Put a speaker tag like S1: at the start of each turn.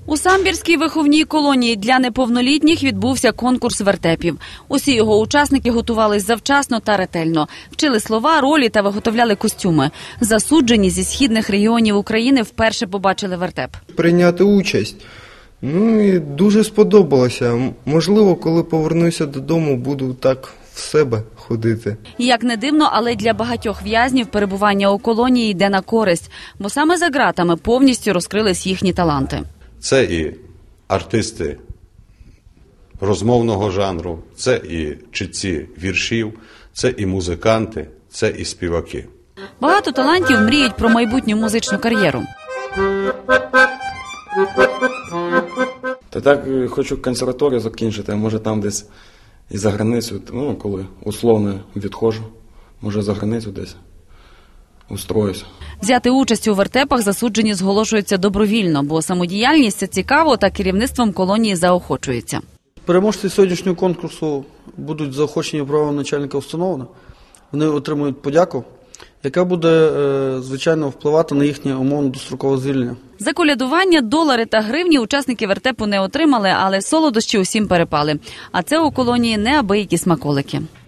S1: У Самбірській виховній колонії для неповнолітніх відбувся конкурс вертепів. Усі його учасники готувались завчасно та ретельно. Вчили слова, ролі та виготовляли костюми. Засуджені зі східних регіонів України вперше побачили вертеп.
S2: Прийняти участь. І дуже сподобалося. Можливо, коли повернуся додому, буду так в себе ходити.
S1: Як не дивно, але для багатьох в'язнів перебування у колонії йде на користь, бо саме за ґратами повністю розкрились їхні таланти.
S3: Це і артисти розмовного жанру, це і читці віршів, це і музиканти, це і співаки.
S1: Багато талантів мріють про майбутню музичну кар'єру.
S4: Та так хочу консерваторію закінчити, а може там десь і за границю, коли условно відходжу, може за границю десь устроюсь.
S1: Взяти участь у вертепах засуджені зголошуються добровільно, бо самодіяльність – це цікаво та керівництвом колонії заохочується.
S5: Переможці сьогоднішнього конкурсу будуть заохочені правом начальника установи. Вони отримують подяку, яка буде, звичайно, впливати на їхнє умовно дострокове звільнення.
S1: За колядування, долари та гривні учасники вертепу не отримали, але солодощі усім перепали. А це у колонії неабиякі смаколики.